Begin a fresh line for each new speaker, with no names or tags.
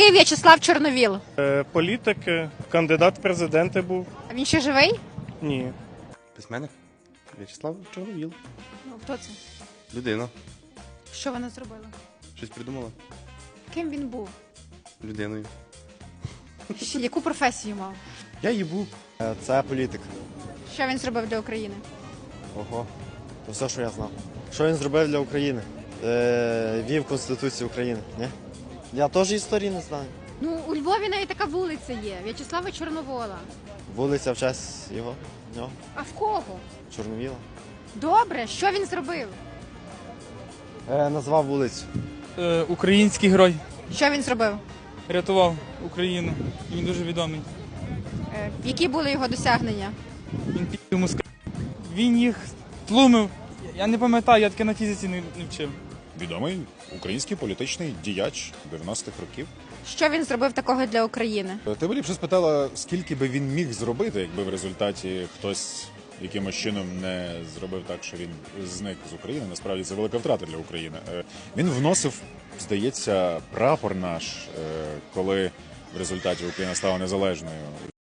такий В'ячеслав Чорновіл?
Політик, кандидат в президенти був.
А він ще живий?
Ні.
Письменник В'ячеслав Чорновіл.
Ну, хто це?
Людина.
Що вона зробила?
Щось придумала.
Ким він був?
Людиною.
Яку професію мав?
Я їбу.
Це політик.
Що він зробив для України?
Ого. То все, що я знав. Що він зробив для України? Вів Конституцію України, ні? Я теж історії не знаю.
Ну, у Львові навіть така вулиця є, В'ячеслава Чорновола.
Вулиця в честь його, нього,
А в кого?
Чорновіла.
Добре, що він зробив?
Назвав вулицю.
Український герой
Що він зробив?
рятував Україну. Він дуже відомий.
Які були його досягнення?
Він пів москалів. Він їх тлумив. Я не пам'ятаю, я таке на фізиці не вчив.
Відомий український політичний діяч 90-х років.
Що він зробив такого для України?
Ти б ліпше спитала, скільки би він міг зробити, якби в результаті хтось якимось чином не зробив так, що він зник з України. Насправді це велика втрата для України. Він вносив, здається, прапор наш, коли в результаті Україна стала незалежною.